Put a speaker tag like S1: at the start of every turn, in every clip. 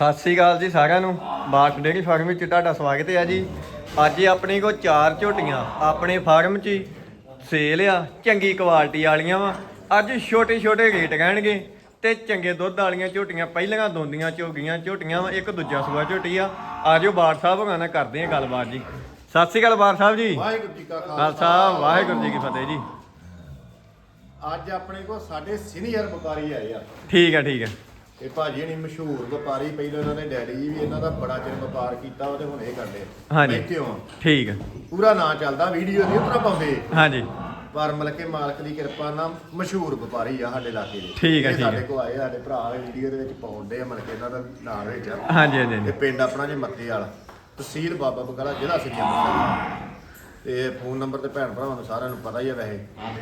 S1: ਸਤਿ ਸ੍ਰੀ ਅਕਾਲ ਜੀ ਸਾਰਿਆਂ ਨੂੰ। ਬਾਰਕ ਡੇਅਰੀ ਫਾਰਮ ਵਿੱਚ ਤੁਹਾਡਾ ਸਵਾਗਤ ਹੈ ਜੀ। ਅੱਜ ਆਪਣੇ ਕੋਲ 4 ਝੋਟੀਆਂ ਆਪਣੇ ਫਾਰਮ 'ਚ ਸੇਲ ਆ, ਚੰਗੀ ਕੁਆਲਿਟੀ ਵਾਲੀਆਂ ਵਾ। ਅੱਜ ਛੋਟੇ ਛੋਟੇ ਰੇਟ ਰਹਿਣਗੇ ਤੇ ਚੰਗੇ ਦੁੱਧ ਵਾਲੀਆਂ ਝੋਟੀਆਂ ਪਹਿਲੀਆਂ ਦੋਂਦੀਆਂ ਝੋਗੀਆਂ ਝੋਟੀਆਂ ਵਾ। ਇੱਕ ਦੂਜਾ ਸੂਆ ਝੋਟੀ ਆ। ਆਜੋ ਬਾਰ ਸਾਹਿਬ ਹੋਣਾ ਨਾਲ ਕਰਦੇ ਆ ਗੱਲਬਾਤ ਜੀ। ਸਤਿ ਸ੍ਰੀ ਅਕਾਲ ਬਾਰ ਸਾਹਿਬ ਜੀ।
S2: ਵਾਹਿਗੁਰੂ ਜੀ ਕਾ
S1: ਖਾਲਸਾ ਵਾਹਿਗੁਰੂ ਜੀ ਕੀ ਫਤਿਹ ਜੀ।
S2: ਅੱਜ ਆਪਣੇ ਕੋਲ ਸਾਡੇ ਸੀਨੀਅਰ ਵਪਾਰੀ ਆਏ ਆ।
S1: ਠੀਕ ਹੈ ਠੀਕ ਹੈ।
S2: ਇਹ ਭਾਜੀ ਨਹੀਂ ਮਸ਼ਹੂਰ ਵਪਾਰੀ, ਪਹਿਲਾਂ ਇਹਨਾਂ ਦੇ ਡੈਡੀ ਜੀ ਵੀ ਇਹਨਾਂ ਦਾ ਬੜਾ ਚਿਰ ਵਪਾਰ ਕੀਤਾ ਉਹਦੇ ਹੁਣ ਇਹ ਕਰਦੇ
S1: ਹਾਂਜੀ
S2: ਬੈਠੇ ਹੋ।
S1: ਠੀਕ ਹੈ।
S2: ਪੂਰਾ ਨਾਂ ਚੱਲਦਾ, ਵੀਡੀਓ ਨਹੀਂ ਉਤਰਾ ਪਾਉਂਦੇ
S1: ਹਾਂਜੀ
S2: ਪਰ ਮਤਲਬ ਕਿ ਮਾਲਕ ਦੀ ਕਿਰਪਾ ਨਾਲ ਮਸ਼ਹੂਰ ਵਪਾਰੀ ਆ ਸਾਡੇ ਇਲਾਕੇ ਦੇ।
S1: ਠੀਕ ਹੈ,
S2: ਇਹ
S1: ਠੀਕ ਹੈ।
S2: ਸਾਡੇ ਕੋਲ ਆਏ, ਸਾਡੇ ਭਰਾ ਵੀਡੀਓ ਦੇ ਵਿੱਚ ਪਾਉਂਦੇ ਆ, ਮਤਲਬ ਕਿ ਇਹਨਾਂ ਦਾ ਨਾਮ ਵਿੱਚ ਆ।
S1: ਹਾਂਜੀ ਹਾਂਜੀ
S2: ਇਹ ਪਿੰਡ ਆਪਣਾ ਜੇ ਮੱਤੇ ਵਾਲਾ, ਤਹਿਸੀਲ ਬਾਬਾ ਬਕਾਲਾ, ਜ਼ਿਲ੍ਹਾ ਸ੍ਰੀ ਅੰਮ੍ਰਿਤਸਰ। ਤੇ ਫੋਨ ਨੰਬਰ ਤੇ ਭੈਣ ਭਰਾਵਾਂ ਨੂੰ ਸਾਰਿਆਂ ਨੂੰ ਪਤਾ ਹੀ ਹੈ ਵੈਸੇ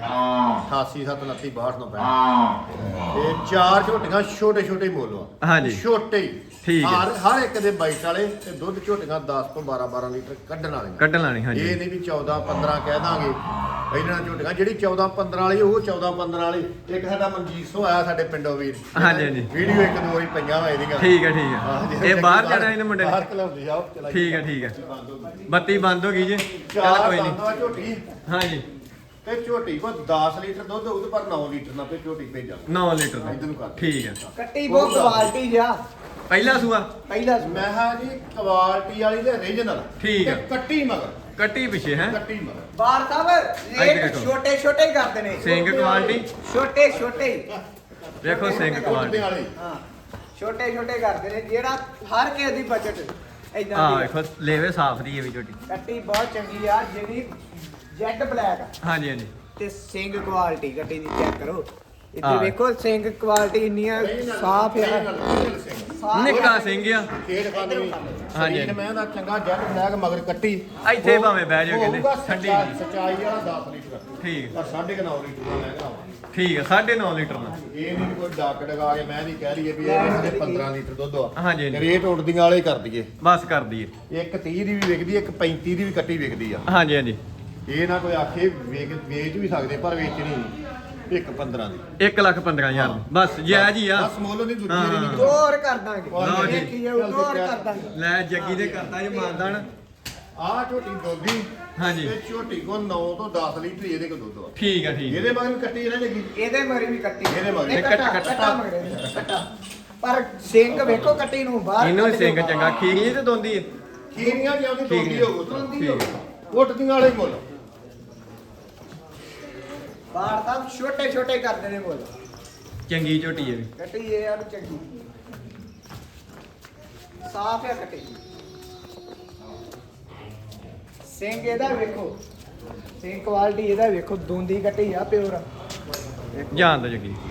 S2: 8879326265। ਤੇ 4 ਝੋਟੀਆਂ ਛੋਟੇ ਛੋਟੇ ਮੁੱਲ ਆ।
S1: ਹਾਂਜੀ।
S2: ਛੋਟੇ ਹੀ।
S1: ਠੀਕ ਹੈ।
S2: ਹਰ ਇੱਕ ਦੇ ਬਾਈਟ ਵਾਲੇ ਤੇ ਦੁੱਧ ਝੋਟੀਆਂ 10 ਤੋਂ 12 ਲੀਟਰ ਕੱਢਣ ਵਾਲੀਆਂ।
S1: ਕੱਢਣ ਲਾਣੀ ਹਾਂਜੀ।
S2: ਇਹ ਨਹੀਂ ਵੀ 14 15 ਕਹਿ ਦਾਂਗੇ ਇਹਨਾਂ ਝੋਟੀਆਂ। ਜਿਹੜੀ 14 15 ਵਾਲੀ ਉਹ 14 15 ਵਾਲੀ। ਇੱਕ ਸਾਡਾ ਮਨਜੀਤ ਸੋ ਆਇਆ ਸਾਡੇ ਪਿੰਡੋਂ ਵੀਰ।
S1: ਹਾਂਜੀ ਹਾਂਜੀ।
S2: ਵੀਡੀਓ ਇੱਕ ਦੋ ਵਾਰੀ ਪਈਆਂ ਵਾ ਇਹਦੀਆਂ।
S1: ਠੀਕ ਹੈ ਠੀਕ ਹੈ। ਇਹ ਬਾਹਰ ਜਾਣਾ ਇਹਨੇ ਮੁੰਡੇ
S2: ਬਾਹਰ
S1: ਨੇ।
S2: ਖਲਾਉਂਦੀ ਆ ਉਹ ਚਲਾਈ।
S1: ਠੀਕ ਹੈ ਠੀਕ ਹੈ। ਬੱਤੀ ਬੰਦ ਹੋ ਗਈ ਜੀ। ਚੱਲ
S2: ਚਾਰ
S1: ਕੋਈ ਨਹੀਂ।
S2: ਦੰਦਾਂ ਝੋਟੀ
S1: ਹਾਂਜੀ
S2: ਤੇ ਝੋਟੀ ਕੋ 10 ਲੀਟਰ ਦੁੱਧ ਉਹਦੇ ਪਰ 9 ਲੀਟਰ ਨਾਲ ਤੇ ਝੋਟੀ ਭੇਜਾਂ
S1: 9 ਲੀਟਰ ਦਾ।
S2: ਇਧਰ ਨੂੰ ਕਰ।
S1: ਠੀਕ ਹੈ।
S3: ਕੱਟੀ ਬਹੁਤ ਕੁਆਲਿਟੀ ਜਾ
S1: ਪਹਿਲਾ ਸੂਆ
S3: ਪਹਿਲਾ
S2: ਮੈਂ ਹਾਂ ਜੀ ਕੁਆਲਿਟੀ ਵਾਲੀ ਤੇ ਰੀਜਨਲ।
S1: ਠੀਕ ਹੈ।
S2: ਕੱਟੀ ਮਗਰ।
S1: ਕੱਟੀ ਪਿੱਛੇ ਹੈ।
S2: ਕੱਟੀ ਮਗਰ।
S3: ਬਾਰ ਸਾਹਿਬ
S1: ਇੱਧਰ
S3: ਰੇਟ
S1: ਦੇਖੋ।
S3: ਛੋਟੇ ਛੋਟੇ ਹੀ ਕਰਦੇ ਨੇ।
S1: ਸਿੰਘ ਕੁਆਲਿਟੀ
S3: ਛੋਟੇ ਛੋਟੇ ਹੀ।
S1: ਵੇਖੋ ਸਿੰਘ
S2: ਕੁਆਲਿਟੀ
S1: ਕੁਆਲਿਟੀ।
S2: ਵਾਲੀ।
S3: ਹਾਂ ਛੋਟੇ ਛੋਟੇ ਕਰਦੇ ਨੇ ਜਿਹੜਾ ਹਰ ਕਿਸੇ ਦੀ ਬਜਟ ਇਦਾਂ
S1: ਆ
S3: ਦੀ
S1: ਵੇਖੋ ਲੇਵੇ ਸਾਫ ਦੀ ਹੈ ਵੀ ਝੋਟੀ।
S3: ਕੱਟੀ ਬਹੁਤ ਚੰਗੀ ਆ ਜਿਹੜੀ ਜੈਡ ਬਲੈਕ ਆ
S1: ਹਾਂਜੀ ਹਾਂਜੀ।
S3: ਤੇ ਸਿੰਘ ਕੁਆਲਿਟੀ ਕੱਟੀ ਦੀ ਚੈੱਕ ਕਰੋ। ਇੱਥੇ
S1: ਹਾਂ।
S3: ਵੇਖੋ ਸਿੰਘ ਕੁਆਲਿਟੀ ਇੰਨੀਆਂ ਸਾਫ ਆ। ਸਾਫ਼
S1: ਨਿੱਕਾ
S3: ਆ।
S1: ਸਿੰਘ ਆ।
S2: ਖੇਡ ਖਾਂਦੀ ਵੀ।
S1: ਹਾਂਜੀ।
S2: ਸਰੀਰ ਮੈਂ ਦਾ ਚੰਗਾ ਜੈਟ ਬਲੈਕ ਮਗਰ ਕੱਟੀ।
S1: ਇੱਥੇ ਭਾਵੇਂ ਬਹਿ ਜਾਓ ਕਹਿੰਦੇ,
S2: ਹੋਊਗਾ
S1: ਠੰਡੀ
S2: ਸੱਚਾਈ-
S1: ਜੀ।
S2: ਸੱਚਾਈ ਵਾਲਾ 10 ਲੀਟਰ।
S1: ਠੀਕ
S2: ਪਰ 9.5 ਲੀਟਰ ਦਾ ਲੈ ਕੇ ਆਵਾਂਗੇ।
S1: ਠੀਕ ਹੈ। 9.5 ਲੀਟਰ ਦਾ।
S2: ਇਹ ਨਹੀਂ ਕੋਈ ਡੱਕ ਡਗਾ ਕੇ ਮੈਂ ਨਹੀਂ ਕਹਿ ਲਈਏ ਵੀ ਇਹ ਦੇ 15 ਲੀਟਰ ਦੁੱਧ ਆ।
S1: ਹਾਂਜੀ, ਹਾਂਜੀ।
S2: ਰੇਟ ਉੱਡਦੀਆਂ ਵਾਲੇ ਕਰ ਦਈਏ।
S1: ਬਸ ਕਰ ਦਈਏ।
S2: ਇੱਕ 30 ਦੀ ਵੀ ਵਿਕਦੀ, ਇੱਕ 35 ਦੀ ਵੀ ਕੱਟੀ ਵਿਕਦੀ ਆ।
S1: ਹਾਂਜੀ ਹਾਂਜੀ।
S2: ਇਹ ਨਾ ਕੋਈ ਆਖੇ ਵੇਚ ਵੀ ਸਕਦੇ ਪਰ ਵੇਚਣੀ ਨਹੀਂ। ਇੱਕ 15 ਦੀ
S1: 1,15,000 ਬਸ ਜਾਇਜ਼ ਹੀ ਆ।
S2: ਬਸ ਮੁੱਲ ਨਹੀਂ ਦੂਜੀ
S1: ਹਾਂ।
S2: ਵਾਰੀ ਨਹੀਂ
S3: ਹੋਰ ਕਰ ਦਾਂਗੇ
S2: ਲਓ ਜੀ।
S3: ਦੇਖੀ ਜਾਊ, ਹੋਰ ਕਰ ਦਾਂਗੇ।
S1: ਲੈ ਜੱਗੀ ਦੇ ਕਰਤਾ ਜੀ ਮਾਨਦਾਨ।
S2: ਆਹ ਝੋਟੀ ਦੋਦੀ।
S1: ਹਾਂਜੀ।
S2: ਤੇ ਝੋਟੀ ਕੋ 9 ਤੋਂ 10 ਲੀਟਰ ਇਹਦੇ ਕੋ ਦੁੱਧ ਆ।
S1: ਠੀਕ ਹੈ ਠੀਕ ਹੈ।
S2: ਇਹਦੇ ਮਗਰ ਵੀ ਕੱਟੀ ਇਹਨਾਂ ਜੱਗੀ।
S3: ਇਹਦੇ ਮਰੀ ਵੀ ਕੱਟੀ
S2: ਇਹਦੇ ਮਗਰ।
S3: ਇਹ ਕੱਟਾ ਮਗਰੇ ਵੀ ਕੱਟਾ। ਪਰ ਸਿੰਘ ਵੇਖੋ ਕੱਟੀ ਨੂੰ ਬਾਹਰ
S1: ਇਹਨੂੰ ਵੀ
S3: ਕੱਢ
S1: ਸਿੰਘ
S3: ਦਿਓ।
S1: ਚੰਗਾ ਖੀਰੀ ਤੇ ਦੋਂਦੀ ਹੈ।
S2: ਖੀਰੀਆਂ ਜਿਉਂਦੀ
S1: ਠੀਕ
S2: ਦੋਦੀ
S1: ਹੈ।
S2: ਹੋਊ
S3: ਦੋਂਦੀ ਹੋਊ।
S2: ਉੱਟਦੀਆਂ ਵਾਲੇ ਮੁੱਲ।
S3: ਬਾਹਰ ਤਾਂ ਛੋਟੇ ਛੋਟੇ ਕਰਦੇ ਨੇ ਬੋਲ
S1: ਚੰਗੀ ਝੋਟੀ ਹੈ ਵੀ।
S3: ਕੱਟੀ ਇਹ ਯਾਰ ਚੰਗੀ ਸਾਫ ਹੈ ਕੱਟੀ। ਸਿੰਘ ਇਹਦਾ ਵੇਖੋ, ਸਿੰਘ ਕੁਆਲਿਟੀ ਇਹਦਾ ਵੇਖੋ, ਦੋਂਦੀ ਕੱਟੀ ਆ ਪਿਓਰ।
S1: ਜਾਣ ਦੋ ਜੱਗੀ।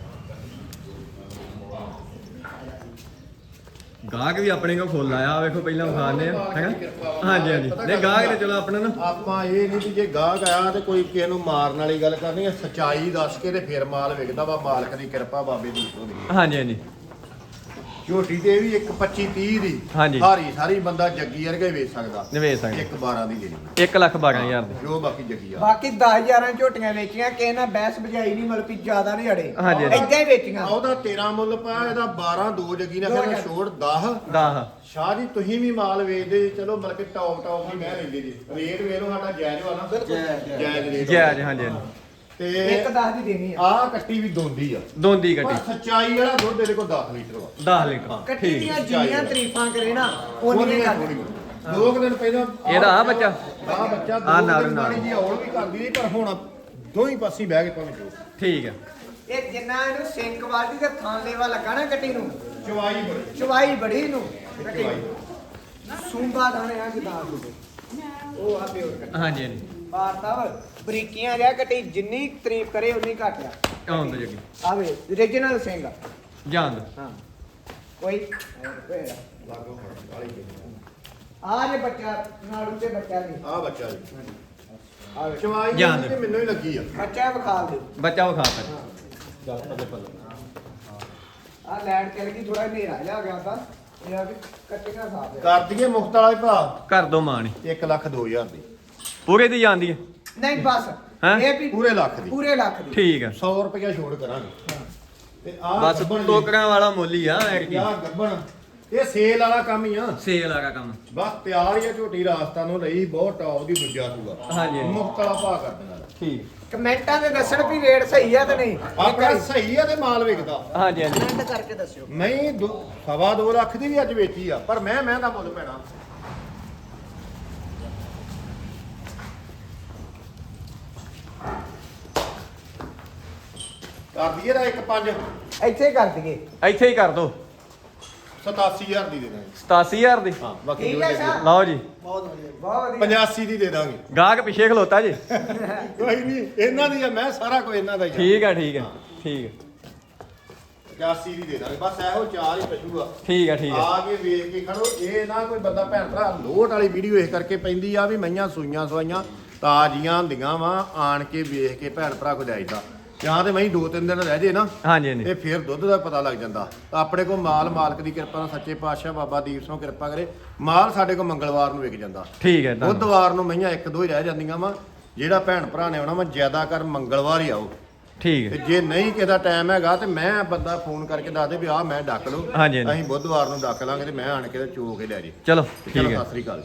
S1: ਗਾਹਕ ਵੀ ਆਪਣੇ ਕੋਲ ਫੁੱਲ ਆਇਆ ਵੇਖੋ ਪਹਿਲਾਂ ਵਿਖਾਣੇ ਆ ਹੈਗਾ। ਹਾਂਜੀ ਹਾਂਜੀ। ਨਹੀਂ ਗਾਹਕ ਨੇ ਚਲੋ ਆਪਣਾ ਨਾ
S2: ਆਪਾਂ ਇਹ ਨਹੀਂ ਵੀ ਜੇ ਗਾਹਕ ਆਇਆ ਤੇ ਕੋਈ ਕਿਸੇ ਨੂੰ ਮਾਰਨ ਵਾਲੀ ਗੱਲ ਕਰਨੀ ਹੈ। ਸੱਚਾਈ ਦੱਸ ਕੇ ਤੇ ਫਿਰ ਮਾਲ ਵਿਕਦਾ ਵਾ। ਮਾਲਕ ਦੀ ਕਿਰਪਾ ਬਾਬੇ ਦੀ ਹੋਣੀ।
S1: ਹਾਂਜੀ ਹਾਂਜੀ।
S2: ਝੋਟੀ ਤੇ ਵੀ ਇੱਕ 25 30 ਦੀ।
S1: ਹਾਂਜੀ।
S2: ਹਾਰੀ ਸਾਰੀ ਬੰਦਾ ਜੱਗੀ ਵਰਗਾ ਹੀ ਵੇਚ ਸਕਦਾ।
S1: ਨਿਵੇਸ਼ ਸਕਦੇ।
S2: ਇੱਕ 12 ਦੀ ਦੇਣੀ
S1: 1,12,000 ਦੀ।
S2: ਜੋ ਬਾਕੀ ਜੱਗੀ ਆ।
S3: ਬਾਕੀ 10,000 ਝੋਟੀਆਂ ਵੇਚੀਆਂ, ਕਿਸੇ ਨਾਲ ਬਹਿਸ ਬਜਾਈ ਨਹੀਂ, ਮਤਲਬ ਕਿ ਜ਼ਿਆਦਾ ਨਹੀਂ ਅੜੇ।
S1: ਹਾਂਜੀ, ਹਾਂਜੀ।
S3: ਏਦਾਂ ਹੀ ਵੇਚੀਆਂ।
S2: ਉਹਦਾ 13 ਮੁੱਲ ਪਾਇਆ, ਇਹਦਾ 12 ਦੋ ਜੱਗੀ ਨੇ ਕਹਿੰਦਾ ਛੋੜ 10।
S1: 10
S2: ਸ਼ਾਹ ਜੀ ਤੁਸੀਂ ਵੀ ਮਾਲ ਵੇਚਦੇ ਚਲੋ ਮਤਲਬ ਕਿ ਟੌਪ ਦੀ ਮੈਂ ਲੈਂਦੇ ਜੀ। ਰੇਟ ਵੇਖ ਲਓ ਸਾਡਾ ਜਾਇਜ਼ ਵਾ ਨਾ। ਜਾਇਜ਼ ਰੇਟ।
S1: ਜਾਇਜ਼ ਹਾਂਜੀ ਹਾਂਜੀ।
S2: ਤੇ
S3: ਇੱਕ 10 ਦੀ ਦੇਣੀ ਆ।
S2: ਆਹ ਕੱਟੀ ਵੀ ਦੋਂਦੀ ਆ।
S1: ਦੋਂਦੀ
S2: ਪਰ
S1: ਕੱਟੀ
S2: ਸੱਚਾਈ ਵਾਲਾ ਦੁੱਧ ਇਹਦੇ ਕੋਲ 10 ਲੀਟਰ ਵਾ।
S1: 10 ਲੀਟਰ।
S3: ਕੱਟੀ
S1: ਠੀਕ
S3: ਦੀਆਂ ਜਿੰਨੀਆਂ ਤਾਰੀਫਾਂ ਕਰੇ ਨਾ
S2: ਉਹਨੀਆਂ
S3: ਉਹਨੀਆਂ
S2: ਥੋੜੀ
S3: ਕਰ।
S2: ਦੋ ਕੁ ਦਿਨ ਪਹਿਲਾਂ
S1: ਇਹਦਾ ਆ ਬੱਚਾ?
S2: ਆਹ ਬੱਚਾ
S1: ਆਹ
S2: ਦੋ
S1: ਨਾਲ
S2: ਦਿਨ
S1: ਨਾਲ।
S2: ਮਾੜੀ ਜੀ ਹੌਲ ਵੀ ਕਰਦੀ ਨਹੀਂ ਪਰ ਹੁਣ ਦੋਹੀਂ ਪਾਸੇ ਬਹਿ ਕੇ ਭਾਵੇਂ ਜੋ
S1: ਠੀਕ ਹੈ।
S3: ਇਹ ਜਿੰਨਾ ਇਹਨੂੰ ਸਿੰਘ ਕੁਆਲਿਟੀ ਦੇ ਥਾਂ ਲੈਵਾ ਲੱਗਾ ਨਾ ਕੱਟੀ ਨੂੰ,
S2: ਚਵਾਈ ਬੜੀ।
S3: ਚਵਾਈ ਬੜੀ ਨੂੰ ਕੱਟੀ
S2: ਚਵਾਈ।
S3: ਸੂੰਬਾ ਦਾਣੇ ਆ ਜਿਦਾ ਉਹ ਆ ਪਿਓਰ ਕੱਟੀ।
S1: ਹਾਂਜੀ ਹਾਂਜੀ।
S3: ਬਾਰ ਸਾਹਿਬ ਬਰੀਕੀਆਂ ਜਿਹਾ ਕੱਟੀ, ਜਿੰਨੀ ਤਾਰੀਫ ਕਰੇ ਉਨੀ ਘੱਟ ਆ।
S1: ਆਉਣ ਦੋ ਜੱਗੀ।
S3: ਆਵੇ ਓਰੀਜਨਲ ਸਿੰਘ ਆ।
S1: ਜਾਣ ਦੋ।
S3: ਹਾਂ ਕੋਈ
S2: ਲਾਗੋ ਵਾਲੀ
S3: ਆ ਜੇ ਬੱਚਾ ਨਾਲ ਉੱਤੇ ਬੱਚਾ ਨਹੀਂ
S2: ਆਹ ਬੱਚਾ ਜੀ।
S3: ਆਵੇ
S2: ਚਵਾਈ
S1: ਜਾਣ
S2: ਜਿਹੜੀ
S1: ਦਿਓ।
S2: ਤੇ ਮੈਨੂੰ ਹੀ ਲੱਗੀ ਆ।
S3: ਬੱਚਾ ਵਿਖਾ ਦਿਓ।
S1: ਬੱਚਾ ਵਿਖਾ ਤਾ।
S3: ਆ ਲੈਟ ਚੱਲ ਗਈ, ਥੋੜਾ ਹਨੇਰਾ ਜਿਹਾ ਆ ਗਿਆ ਤਾਂ ਇਹ ਆ ਵੀ ਕੱਟੀਆਂ ਸਾਫ ਆ।
S2: ਕਰ ਦਈਏ ਮੁਫਤ ਵਾਲਾ ਹੀ ਭਰਾ।
S1: ਕਰ ਦੋ ਮਾਣੀ
S2: 1,02,000 ਦੀ।
S1: ਪੂਰੇ ਦੀ ਜਾਂਦੀ ਹੈ।
S3: ਨਹੀਂ ਬਸ
S1: ਹੈਂ?
S3: ਇਹ ਵੀ
S2: ਪੂਰੇ ਲੱਖ ਦੀ।
S3: ਪੂਰੇ ਲੱਖ ਦੀ।
S1: ਠੀਕ ਹੈ।
S2: 100 ਰੁਪਇਆ ਛੋੜ ਕਰਾਂਗੇ। ਤੇ ਆਹ
S1: ਬਸ
S2: ਗੱਭਣ ਜੀ।
S1: ਟੋਕਰਾਂ ਵਾਲਾ ਮੁੱਲ ਹੀ ਆ ਐਰ ਕੀ।
S2: ਆਹ ਗੱਬਣ ਇਹ ਸੇਲ ਵਾਲਾ ਕੰਮ ਹੀ ਆ
S1: ਸੇਲ ਵਾਲਾ ਕੰਮ
S2: ਬਸ ਤਿਆਰ ਹੀ ਆ ਝੋਟੀ ਰਾਜਸਥਾਨ ਨੂੰ ਲਈ ਬਹੁਤ ਟੌਪ ਦੀ ਦੂਜਾ ਸੂਆ
S1: ਹਾਂਜੀ।
S2: ਮੁਫਤ ਵਾਲਾ ਭਾਅ ਕਰ ਦੇਣਾ
S1: ਠੀਕ
S3: ਕਮੈਂਟਾਂ ਦੇ ਦੱਸਣ ਵੀ ਰੇਟ ਸਹੀ ਆ ਤੇ ਨਹੀਂ
S2: ਆਪਣਾ ਸਹੀ ਆ ਤੇ ਮਾਲ ਵਿਕਦਾ
S1: ਹਾਂਜੀ ਹਾਂਜੀ
S3: ਕਮੈਂਟ ਕਰਕੇ ਦੱਸਿਓ
S2: ਨਹੀਂ 2.5 ਲੱਖ ਦੀ ਵੀ ਅੱਜ ਵੇਚੀ ਆ ਪਰ ਮੈਂ ਦਾ ਮੁੱਲ ਪੈਣਾ ਕਰ ਦਈਏ ਦਾ 1.5
S3: ਇੱਥੇ ਕਰ ਦਈਏ
S1: ਇੱਥੇ ਹੀ ਕਰ ਦੋ
S2: 87000 ਦੀ ਦੇ ਦਾਂਗੇ
S1: 87000 ਦੀ
S2: ਹਾਂ ਬਾਕੀ
S3: ਠੀਕ
S2: ਜੋ
S3: ਹੈ
S2: ਦੇ
S3: ਸਰ।
S1: ਲਓ ਜੀ
S3: ਬਹੁਤ ਵਧੀਆ
S2: 85 ਦੀ ਦੇ ਦਾਂਗੇ
S1: ਗਾਹਕ ਪਿੱਛੇ ਖਲੋਤਾ ਜੀ
S2: ਕੋਈ ਨਹੀਂ ਇਹਨਾਂ ਦੀ ਆ ਮੈਂ ਸਾਰਾ ਕੁਝ ਇਹਨਾਂ ਦਾ ਹੀ ਆ
S1: ਠੀਕ ਹੈ ਠੀਕ ਹੈ ਠੀਕ ਹੈ
S2: 85 ਦੀ ਦੇ ਦਾਂਗੇ ਬਸ ਇਹੋ ਚਾਰ ਹੀ ਪਸ਼ੂ ਆ
S1: ਠੀਕ ਹੈ ਠੀਕ ਹੈ
S2: ਆ ਕੇ ਵੇਖ ਕੇ ਖੜੋ ਇਹ ਨਾ ਕੋਈ ਬੰਦਾ ਭੈਣ ਭਰਾ ਲੋਟ ਵਾਲੀ ਵੀਡੀਓ ਇਸ ਕਰਕੇ ਪੈਂਦੀ ਆ ਵੀ ਮਈਆਂ ਸੂਈਆਂ ਸਵਾਈਆਂ ਤਾਜ਼ੀਆਂ ਹੁੰਦੀਆਂ ਵਾ ਆਣ ਕੇ ਵੇਖ ਕੇ ਭੈਣ ਭਰਾ ਕੋ ਜਾਈਦਾ ਜਾਂ ਤੇ ਮਈ 2-3 ਦਿਨ ਰਹਿ ਜੇ ਨਾ
S1: ਹਾਂਜੀ ਹਾਂਜੀ
S2: ਤੇ ਫਿਰ ਦੁੱਧ ਦਾ ਪਤਾ ਲੱਗ ਜਾਂਦਾ ਤਾਂ ਆਪਣੇ ਕੋਲ ਮਾਲ ਮਾਲਕ ਦੀ ਕਿਰਪਾ ਨਾਲ ਸੱਚੇ ਪਾਤਸ਼ਾਹ ਬਾਬਾ ਦੀਪ ਸਿੰਘ ਕਿਰਪਾ ਕਰੇ ਮਾਲ ਸਾਡੇ ਕੋਲ ਮੰਗਲਵਾਰ ਨੂੰ ਵਿਕ ਜਾਂਦਾ
S1: ਠੀਕ ਹੈ ਧੰਨਵਾਦ।
S2: ਬੁੱਧਵਾਰ ਨੂੰ ਮਈਆਂ 1-2 ਹੀ ਰਹਿ ਜਾਂਦੀਆਂ ਵਾ ਜਿਹੜਾ ਭੈਣ ਭਰਾ ਨੇ ਆਉਣਾ ਵਾ ਜ਼ਿਆਦਾ ਕਰ ਮੰਗਲਵਾਰ ਹੀ ਆਓ
S1: ਠੀਕ
S2: ਤੇ
S1: ਹੈ
S2: ਜੇ ਨਹੀਂ ਕਿਦਾ ਟਾਈਮ ਹੈਗਾ ਤੇ ਮੈਂ ਬੰਦਾ ਫੋਨ ਕਰਕੇ ਦੱਸ ਦੇ ਵੀ ਆਹ ਮੈਂ ਡੱਕ ਲਓ
S1: ਹਾਂਜੀ, ਹਾਂਜੀ।
S2: ਅਸੀਂ ਬੁੱਧਵਾਰ ਨੂੰ ਡੱਕ ਲਾਂਗੇ ਤੇ ਮੈਂ ਆਣ ਕੇ ਤੇ ਚੋ ਕੇ ਲੈ ਜੇ
S1: ਚਲੋ
S2: ਚਲੋ
S1: ਠੀਕ ਹੈ
S2: ਸਤਿ ਸ੍ਰੀ ਅਕਾਲ